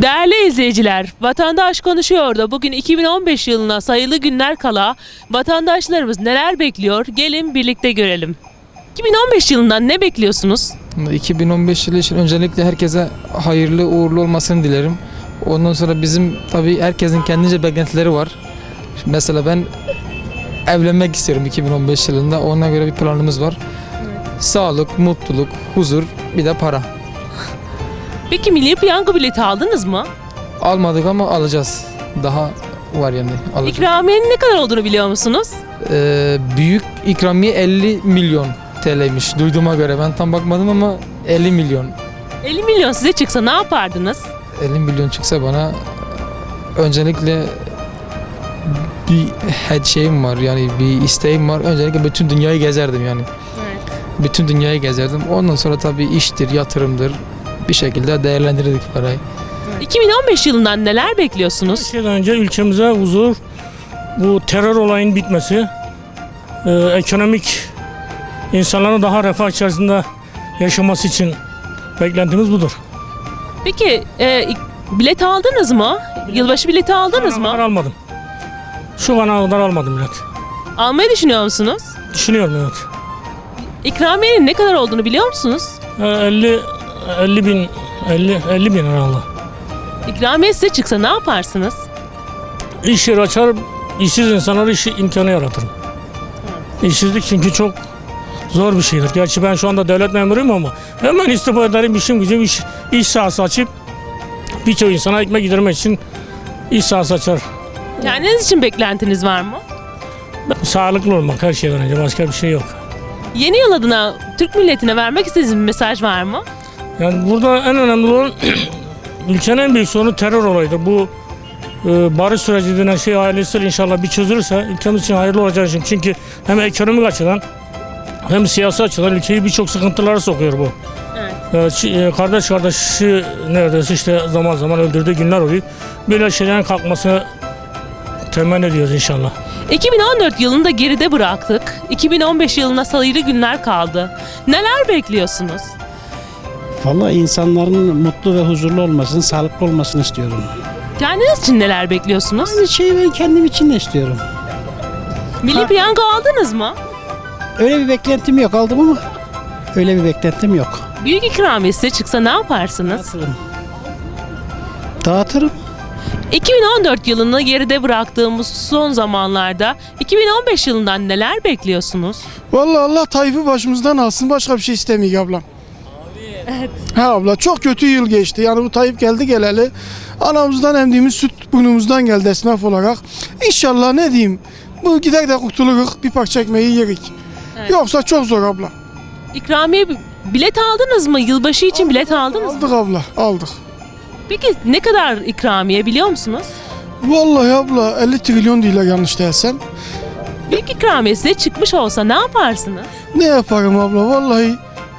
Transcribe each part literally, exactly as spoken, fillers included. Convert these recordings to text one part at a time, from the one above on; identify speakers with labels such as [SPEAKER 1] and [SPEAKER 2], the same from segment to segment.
[SPEAKER 1] Değerli izleyiciler, Vatandaş Konuşuyor'da bugün iki bin on beş yılına sayılı günler kala vatandaşlarımız neler bekliyor? Gelin birlikte görelim. iki bin on beş yılından ne bekliyorsunuz?
[SPEAKER 2] iki bin on beş yılı için öncelikle herkese hayırlı uğurlu olmasını dilerim. Ondan sonra bizim tabii herkesin kendince beklentileri var. Mesela ben evlenmek istiyorum iki bin on beş yılında. Ona göre bir planımız var. Sağlık, mutluluk, huzur, bir de para.
[SPEAKER 1] Peki milli piyango bileti aldınız mı?
[SPEAKER 2] Almadık ama alacağız. Daha var yani. Alacağız.
[SPEAKER 1] İkramiyenin ne kadar olduğunu biliyor musunuz?
[SPEAKER 2] Ee, büyük ikramiye elli milyon T L'ymiş duyduğuma göre. Ben tam bakmadım ama elli milyon.
[SPEAKER 1] elli milyon size çıksa ne yapardınız?
[SPEAKER 2] elli milyon çıksa bana öncelikle bir her şeyim var, yani bir isteğim var. Öncelikle bütün dünyayı gezerdim yani.
[SPEAKER 1] Evet.
[SPEAKER 2] Bütün dünyayı gezerdim. Ondan sonra tabii iştir, yatırımdır. Bir şekilde değerlendirirdik parayı.
[SPEAKER 1] iki bin on beş yılından neler bekliyorsunuz?
[SPEAKER 3] Her şeyden önce ülkemize huzur, bu terör olayının bitmesi, e, ekonomik insanların daha refah içerisinde yaşaması için beklentimiz budur.
[SPEAKER 1] Peki e, bilet aldınız mı? Yılbaşı bileti aldınız
[SPEAKER 3] Şu ana kadar
[SPEAKER 1] mı?
[SPEAKER 3] almadım. Şu ana kadar almadım bilet.
[SPEAKER 1] Almayı düşünüyor musunuz?
[SPEAKER 3] Düşünüyorum evet.
[SPEAKER 1] İkramiyenin ne kadar olduğunu biliyor musunuz?
[SPEAKER 3] E, elli elli bin elli elli bin herhalde.
[SPEAKER 1] İkramiye size çıksa ne yaparsınız?
[SPEAKER 3] İş yeri açar, işsiz insanlara iş imkanı yaratırım. İşsizlik çünkü çok zor bir şeydir. Gerçi ben şu anda devlet memuruyum ama hemen istifa ederim, işim gücüm iş, iş sahası açıp birçok insana ekmek yedirmek için iş sahası açar.
[SPEAKER 1] Kendiniz için beklentiniz var mı?
[SPEAKER 3] Sağlıklı olmak her şeyden önce, başka bir şey yok.
[SPEAKER 1] Yeni yıl adına Türk milletine vermek istediğiniz bir mesaj var mı?
[SPEAKER 3] Yani burada en önemli olan ülkenin en büyük sorunu terör olayıdır. Bu e, barış süreci denen şey ailesiyle inşallah bir çözülürse ülkemiz için hayırlı olacak için. Çünkü hem ekonomik açıdan hem siyasi açıdan ülkeyi birçok sıkıntılara sokuyor bu.
[SPEAKER 1] Evet.
[SPEAKER 3] E, kardeş kardeşi neredeyse işte zaman zaman öldürdüğü günler oluyor. Böyle şeylerin kalkmasını temenni ediyoruz inşallah.
[SPEAKER 1] iki bin on dört yılını da geride bıraktık. iki bin on beş yılına sayılı günler kaldı. Neler bekliyorsunuz?
[SPEAKER 4] Vallahi insanların mutlu ve huzurlu olmasını, sağlıklı olmasını istiyorum.
[SPEAKER 1] Kendiniz için neler bekliyorsunuz?
[SPEAKER 4] Aynı şeyi ben kendim için de istiyorum.
[SPEAKER 1] Milli piyango aldınız mı?
[SPEAKER 4] Öyle bir beklentim yok, aldım ama öyle bir beklentim yok.
[SPEAKER 1] Büyük ikramiye size çıksa ne yaparsınız?
[SPEAKER 4] Dağıtırım. Dağıtırım.
[SPEAKER 1] iki bin on dört yılını geride bıraktığımız son zamanlarda iki bin on beş yılından neler bekliyorsunuz?
[SPEAKER 5] Vallahi Allah Tayyip'i başımızdan alsın, başka bir şey istemiyor ablam. Evet. Ha abla, çok kötü yıl geçti. Yani bu Tayyip geldi geleli anamızdan emdiğimiz süt burnumuzdan geldi esnaf olarak. İnşallah ne diyeyim, bu gider de kurtuluruz, bir parça ekmeği yerik.
[SPEAKER 1] Evet.
[SPEAKER 5] Yoksa çok zor abla.
[SPEAKER 1] İkramiye bilet aldınız mı? Yılbaşı için bilet aldınız mı?
[SPEAKER 5] Aldık abla, aldık.
[SPEAKER 1] Peki ne kadar ikramiye biliyor musunuz?
[SPEAKER 5] Vallahi abla elli trilyon değil yanlış değilsem.
[SPEAKER 1] Büyük ikramiye size çıkmış olsa ne yaparsınız?
[SPEAKER 5] Ne yaparım abla vallahi.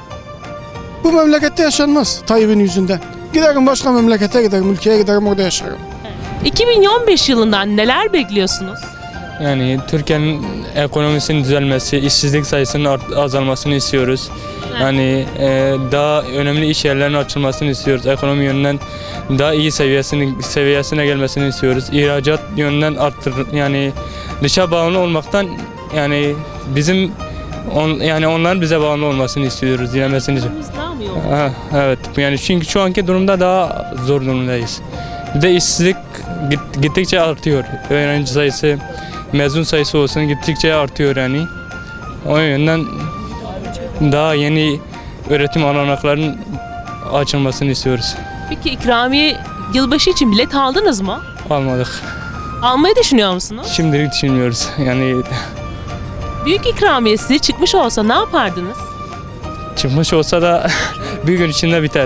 [SPEAKER 5] Bu memlekette yaşanmaz Tayyip'in yüzünden. Giderim başka memlekete giderim, ülkeye giderim, orada yaşarım.
[SPEAKER 1] iki bin on beş yılından neler bekliyorsunuz?
[SPEAKER 6] Yani Türkiye'nin ekonomisinin düzelmesi, işsizlik sayısının art- azalmasını istiyoruz. Yani e, daha önemli iş yerlerinin açılmasını istiyoruz. Ekonomi yönünden daha iyi seviyesini seviyesine gelmesini istiyoruz. İhracat yönünden arttır, yani dışa bağımlı olmaktan, yani bizim on, yani onların bize bağımlı olmasını istiyoruz, dilemesini.
[SPEAKER 1] Daha mı yok?
[SPEAKER 6] Ha, evet, yani çünkü şu anki durumda daha zor durumdayız. Bir de işsizlik git- gittikçe artıyor. Öğrenci sayısı, mezun sayısı olsun gittikçe artıyor yani. O yönden daha yeni öğretim alanaklarının açılmasını istiyoruz.
[SPEAKER 1] Peki ikramiye yılbaşı için bilet aldınız mı?
[SPEAKER 6] Almadık.
[SPEAKER 1] Almayı düşünüyor musunuz?
[SPEAKER 6] Şimdilik düşünmüyoruz. Yani
[SPEAKER 1] Büyük ikramiye size çıkmış olsa ne yapardınız?
[SPEAKER 6] çıkmış olsa da bir gün içinde biter.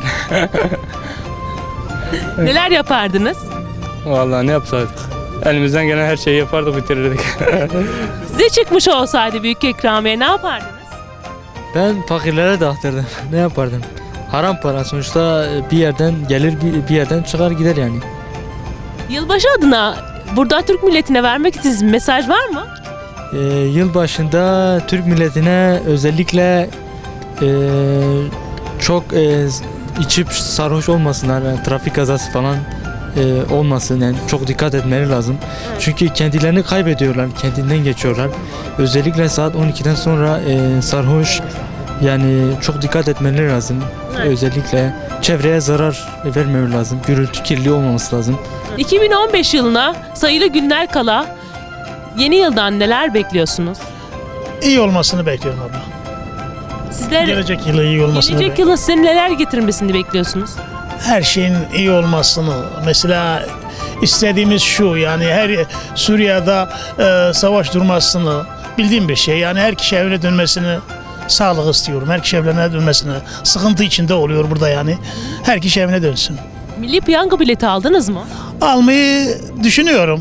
[SPEAKER 1] Neler yapardınız?
[SPEAKER 6] Vallahi ne yapsaydık? Elimizden gelen her şeyi yapardık, bitirirdik.
[SPEAKER 1] Size çıkmış olsaydı büyük ikramiye ne yapardınız?
[SPEAKER 7] Ben fakirlere dağıtırdım. Ne yapardım? Haram para sonuçta, bir yerden gelir, bir, bir yerden çıkar gider yani.
[SPEAKER 1] Yılbaşı adına burada Türk milletine vermek istediğiniz bir mesaj var mı?
[SPEAKER 7] Ee, yıl başında Türk milletine özellikle e, çok e, içip sarhoş olmasınlar, yani trafik kazası falan e, olmasın. Yani çok dikkat etmeleri lazım. Çünkü kendilerini kaybediyorlar, kendinden geçiyorlar. Özellikle saat on ikiden sonra e, sarhoş, yani çok dikkat etmeleri lazım.
[SPEAKER 1] Evet.
[SPEAKER 7] Özellikle çevreye zarar vermemeleri lazım. Gürültü kirliliği olmaması lazım.
[SPEAKER 1] iki bin on beş yılına sayılı günler kala yeni yıldan neler bekliyorsunuz?
[SPEAKER 8] İyi olmasını bekliyorum abla.
[SPEAKER 1] Sizler
[SPEAKER 8] Gelecek yılı iyi olmasını
[SPEAKER 1] gelecek
[SPEAKER 8] bekliyorum.
[SPEAKER 1] yılın size neler getirmesini bekliyorsunuz?
[SPEAKER 8] Her şeyin iyi olmasını. Mesela istediğimiz şu, yani her Suriye'de e, savaş durmasını bildiğim bir şey. Yani her kişi evine dönmesini sağlık istiyorum. Her kişi evine dönmesini. Sıkıntı içinde oluyor burada yani. Her kişi evine dönsün.
[SPEAKER 1] Milli piyango bileti aldınız mı?
[SPEAKER 8] Almayı düşünüyorum.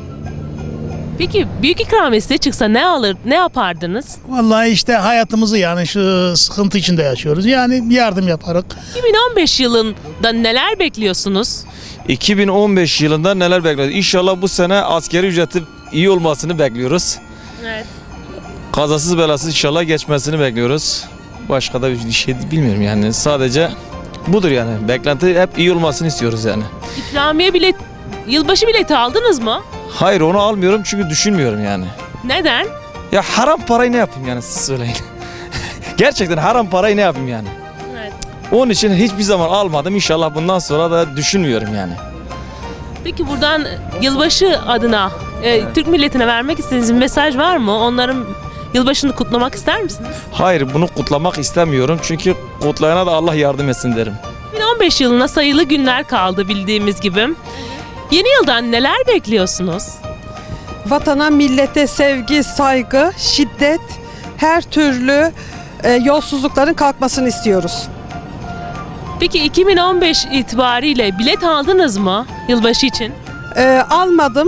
[SPEAKER 1] Peki büyük ikramiye size çıksa ne alır, ne yapardınız?
[SPEAKER 8] Vallahi işte hayatımızı yani şu sıkıntı içinde yaşıyoruz. Yani yardım yaparak.
[SPEAKER 1] iki bin on beş yılında neler bekliyorsunuz?
[SPEAKER 9] iki bin on beş yılında neler bekliyoruz? İnşallah bu sene askeri ücreti iyi olmasını bekliyoruz.
[SPEAKER 1] Evet.
[SPEAKER 9] Kazasız belasız inşallah geçmesini bekliyoruz. Başka da bir şey bilmiyorum yani. Sadece budur yani. Beklenti hep iyi olmasını istiyoruz yani.
[SPEAKER 1] İkramiye bilet, yılbaşı bileti aldınız mı?
[SPEAKER 9] Hayır, onu almıyorum çünkü düşünmüyorum yani.
[SPEAKER 1] Neden?
[SPEAKER 9] Ya haram parayı ne yapayım yani, siz söyleyin. Gerçekten haram parayı ne yapayım yani.
[SPEAKER 1] Evet.
[SPEAKER 9] Onun için hiçbir zaman almadım. İnşallah bundan sonra da düşünmüyorum yani.
[SPEAKER 1] Peki buradan yılbaşı adına e, Türk milletine vermek istediğiniz bir mesaj var mı? Onların yılbaşını kutlamak ister misiniz?
[SPEAKER 9] Hayır, bunu kutlamak istemiyorum. Çünkü kutlayana da Allah yardım etsin derim.
[SPEAKER 1] iki bin on beş yılına sayılı günler kaldı bildiğimiz gibi. Yeni yıldan neler bekliyorsunuz?
[SPEAKER 10] Vatana, millete sevgi, saygı, şiddet, her türlü e, yolsuzlukların kalkmasını istiyoruz.
[SPEAKER 1] Peki iki bin on beş itibariyle bilet aldınız mı yılbaşı için?
[SPEAKER 10] E, almadım.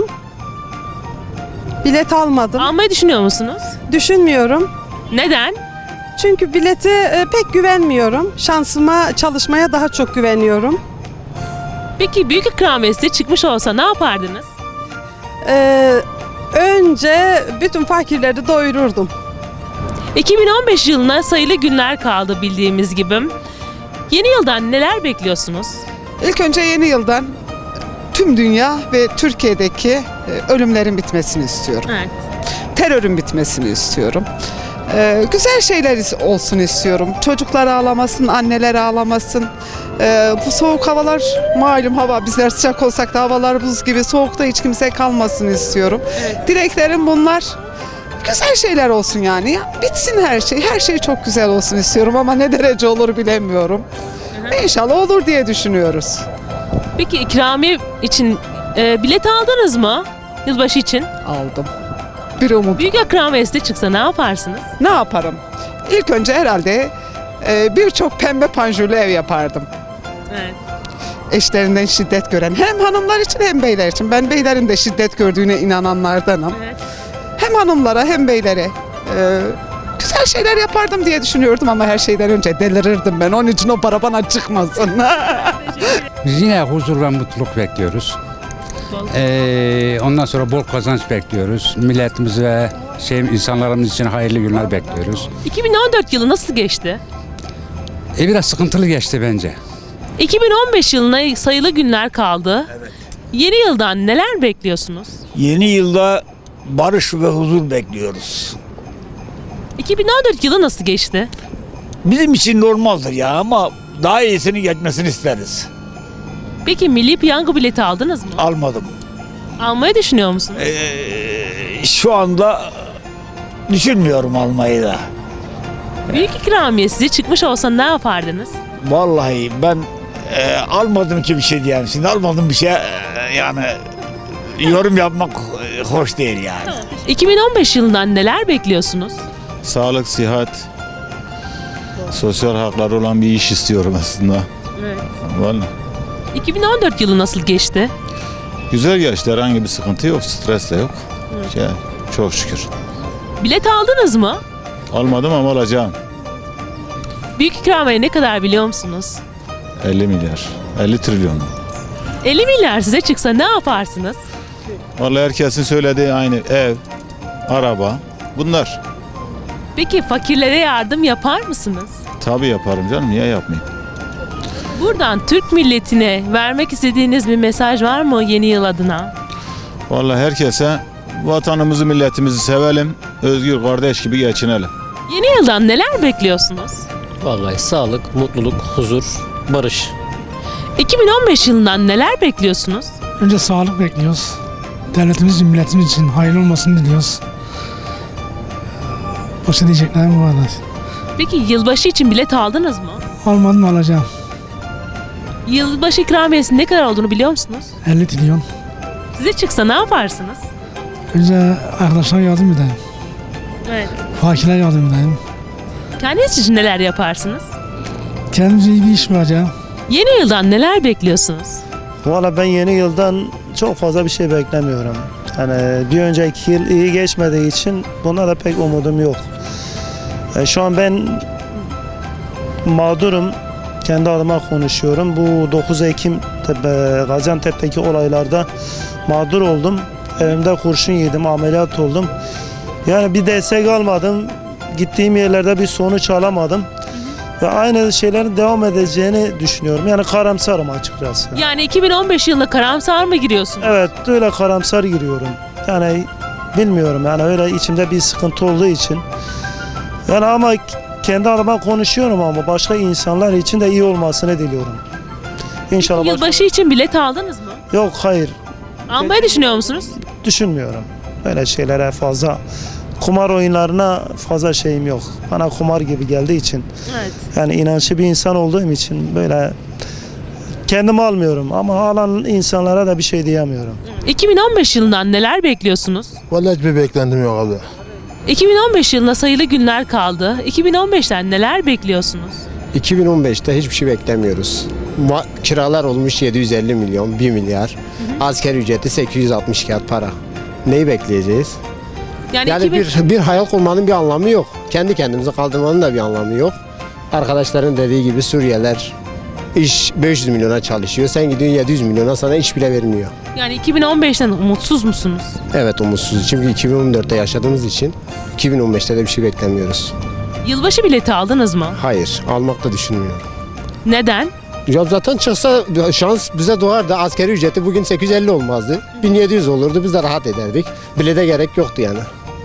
[SPEAKER 10] Bilet almadım.
[SPEAKER 1] Almayı düşünüyor musunuz?
[SPEAKER 10] Düşünmüyorum.
[SPEAKER 1] Neden?
[SPEAKER 10] Çünkü bilete e, pek güvenmiyorum. Şansıma, çalışmaya daha çok güveniyorum.
[SPEAKER 1] Peki büyük ikramiye size çıkmış olsa ne yapardınız?
[SPEAKER 10] E, önce bütün fakirleri doyururdum.
[SPEAKER 1] iki bin on beş yılına sayılı günler kaldı bildiğimiz gibi. Yeni yıldan neler bekliyorsunuz?
[SPEAKER 11] İlk önce yeni yıldan tüm dünya ve Türkiye'deki e, ölümlerin bitmesini istiyorum.
[SPEAKER 1] Evet.
[SPEAKER 11] Terörün bitmesini istiyorum. E, güzel şeyler olsun istiyorum. Çocuklar ağlamasın, anneler ağlamasın. E, bu soğuk havalar, malum hava, bizler sıcak olsak da havalar buz gibi, soğukta hiç kimse kalmasın istiyorum.
[SPEAKER 1] Evet.
[SPEAKER 11] Dileklerim bunlar. Güzel şeyler olsun yani. Ya, bitsin her şey. Her şey çok güzel olsun istiyorum ama ne derece olur bilemiyorum. İnşallah olur diye düşünüyoruz.
[SPEAKER 1] Peki ikramiye için e, bilet aldınız mı yılbaşı için?
[SPEAKER 11] Aldım. Bir umut.
[SPEAKER 1] Büyük ikramiye size çıksa ne yaparsınız?
[SPEAKER 11] Ne yaparım? İlk önce herhalde e, birçok pembe panjurlu ev yapardım.
[SPEAKER 1] Evet.
[SPEAKER 11] Eşlerinden şiddet gören hem hanımlar için hem beyler için. Ben beylerin de şiddet gördüğüne inananlardanım.
[SPEAKER 1] Evet.
[SPEAKER 11] Hem hanımlara hem beylere e, güzel şeyler yapardım diye düşünüyordum ama her şeyden önce delirirdim ben. Onun için o para bana çıkmasın.
[SPEAKER 12] Biz yine huzur ve mutluluk bekliyoruz. Ee, ondan sonra bol kazanç bekliyoruz. Milletimiz ve şey, insanlarımız için hayırlı günler bekliyoruz.
[SPEAKER 1] iki bin on dört yılı nasıl geçti?
[SPEAKER 12] E, biraz sıkıntılı geçti bence.
[SPEAKER 1] iki bin on beş yılına sayılı günler kaldı. Evet. Yeni yıldan neler bekliyorsunuz?
[SPEAKER 13] Yeni yılda barış ve huzur bekliyoruz.
[SPEAKER 1] iki bin on dört yılı nasıl geçti?
[SPEAKER 13] Bizim için normaldir ya ama daha iyisini geçmesini isteriz.
[SPEAKER 1] Peki milli piyango bileti aldınız mı?
[SPEAKER 13] Almadım.
[SPEAKER 1] Almayı düşünüyor musunuz?
[SPEAKER 13] Ee, şu anda düşünmüyorum almayı da.
[SPEAKER 1] Büyük ikramiye size çıkmış olsa ne yapardınız?
[SPEAKER 13] Vallahi ben e, almadım ki bir şey diyeyim. Şimdi almadım bir şey e, yani yorum yapmak e, hoş değil yani.
[SPEAKER 1] iki bin on beş yılından neler bekliyorsunuz?
[SPEAKER 14] Sağlık, sıhhat, sosyal hakları olan bir iş istiyorum aslında.
[SPEAKER 1] Evet.
[SPEAKER 14] Vallahi.
[SPEAKER 1] iki bin on dört yılı nasıl geçti?
[SPEAKER 14] Güzel geçti, herhangi bir sıkıntı yok, stres de yok.
[SPEAKER 1] Evet.
[SPEAKER 14] Ya, çok şükür.
[SPEAKER 1] Bilet aldınız mı?
[SPEAKER 14] Almadım ama alacağım.
[SPEAKER 1] Büyük ikramiye ne kadar biliyor musunuz?
[SPEAKER 14] elli milyar, elli trilyon.
[SPEAKER 1] elli milyar size çıksa ne yaparsınız?
[SPEAKER 14] Vallahi herkesin söylediği aynı, ev, araba, bunlar.
[SPEAKER 1] Peki fakirlere yardım yapar mısınız?
[SPEAKER 14] Tabii yaparım canım, niye yapmayayım?
[SPEAKER 1] Buradan Türk milletine vermek istediğiniz bir mesaj var mı yeni yıl adına?
[SPEAKER 14] Vallahi herkese vatanımızı, milletimizi sevelim. Özgür kardeş gibi geçinelim.
[SPEAKER 1] Yeni yıldan neler bekliyorsunuz?
[SPEAKER 15] Vallahi sağlık, mutluluk, huzur, barış.
[SPEAKER 1] iki bin on beş yılından neler bekliyorsunuz?
[SPEAKER 16] Önce sağlık bekliyoruz. Devletimiz için, milletimiz için hayırlı olmasını diliyoruz. Başka diyeceklerim bu kadar.
[SPEAKER 1] Peki yılbaşı için bilet aldınız mı?
[SPEAKER 16] Almadım, alacağım.
[SPEAKER 1] Yılbaşı ikramiyesinin ne kadar olduğunu biliyor musunuz?
[SPEAKER 16] elli trilyon.
[SPEAKER 1] Size çıksa ne yaparsınız?
[SPEAKER 16] Önce arkadaşlara yardım edeyim.
[SPEAKER 1] Evet.
[SPEAKER 16] Fakirlere yardım edeyim.
[SPEAKER 1] Kendiniz için neler yaparsınız?
[SPEAKER 16] Kendimize iyi bir iş bulacağım.
[SPEAKER 1] Yeni yıldan neler bekliyorsunuz?
[SPEAKER 17] Valla ben yeni yıldan çok fazla bir şey beklemiyorum. Yani bir önceki yıl iyi geçmediği için buna da pek umudum yok. E, şu an ben mağdurum. Kendi adıma konuşuyorum. Bu dokuz Ekim tepe, Gaziantep'teki olaylarda mağdur oldum. Evimde kurşun yedim, ameliyat oldum. Yani bir destek almadım. Gittiğim yerlerde bir sonuç alamadım. Ve aynı şeylerin devam edeceğini düşünüyorum. Yani karamsarım açıkçası.
[SPEAKER 1] Yani iki bin on beş yılına karamsar mı giriyorsunuz?
[SPEAKER 17] Evet, öyle karamsar giriyorum. Yani bilmiyorum, yani öyle içimde bir sıkıntı olduğu için. Yani ama kendi adıma konuşuyorum ama başka insanlar için de iyi olmasını diliyorum. İnşallah.
[SPEAKER 1] Peki, yılbaşı için bilet aldınız mı?
[SPEAKER 17] Yok, hayır.
[SPEAKER 1] Almayı düşünüyor musunuz?
[SPEAKER 17] Düşünmüyorum. Öyle şeylere fazla, kumar oyunlarına fazla şeyim yok. Bana kumar gibi geldiği için.
[SPEAKER 1] Evet.
[SPEAKER 17] Yani inançlı bir insan olduğum için böyle kendimi almıyorum ama alan insanlara da bir şey diyemiyorum.
[SPEAKER 1] iki bin on beş yılından neler bekliyorsunuz?
[SPEAKER 18] Vallahi hiçbir beklentim yok abi.
[SPEAKER 1] iki bin on beş yılına sayılı günler kaldı. iki bin on beşten neler bekliyorsunuz?
[SPEAKER 19] iki bin on beşte hiçbir şey beklemiyoruz. Ma- kiralar olmuş yedi yüz elli milyon, bir milyar. Asgari ücreti sekiz yüz altmış kağıt para. Neyi bekleyeceğiz?
[SPEAKER 1] Yani,
[SPEAKER 19] Yani
[SPEAKER 1] iki bin...
[SPEAKER 19] bir, bir hayal kurmanın bir anlamı yok. Kendi kendimizi kaldırmanın da bir anlamı yok. Arkadaşların dediği gibi Suriyeliler iş beş yüz milyona çalışıyor. Sen gidiyorsun yedi yüz milyona, sana iş bile vermiyor.
[SPEAKER 1] Yani iki bin on beşten umutsuz musunuz?
[SPEAKER 19] Evet, umutsuz. Çünkü iki bin on dörtte yaşadığımız için iki bin on beşte de bir şey beklemiyoruz.
[SPEAKER 1] Yılbaşı bileti aldınız mı?
[SPEAKER 19] Hayır, almak da düşünmüyorum.
[SPEAKER 1] Neden?
[SPEAKER 19] Ya zaten çıksa şans bize doğardı. Asgari ücreti bugün sekiz yüz elli olmazdı. bin yedi yüz olurdu. Biz de rahat ederdik. Bile de gerek yoktu yani.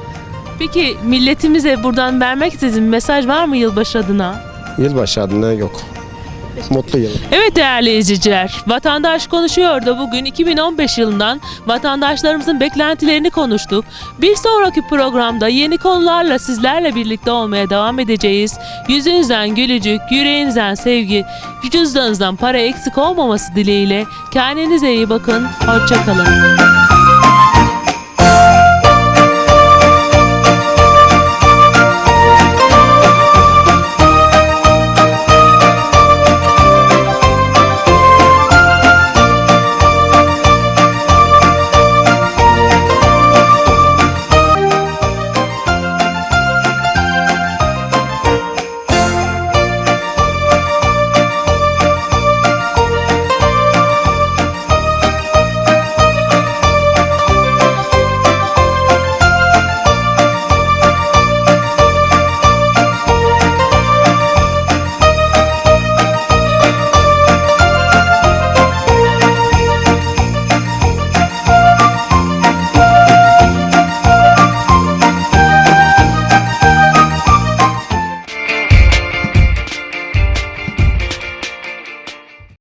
[SPEAKER 1] Peki milletimize buradan vermek istediğiniz bir mesaj var mı yılbaşı adına?
[SPEAKER 19] Yılbaşı adına yok. Mutlu yıl.
[SPEAKER 1] Evet değerli izleyiciler, Vatandaş Konuşuyor da bugün iki bin on beş yılından vatandaşlarımızın beklentilerini konuştuk. Bir sonraki programda yeni konularla sizlerle birlikte olmaya devam edeceğiz. Yüzünüzden gülücük, yüreğinizden sevgi, cüzdanınızdan para eksik olmaması dileğiyle kendinize iyi bakın, hoşça kalın.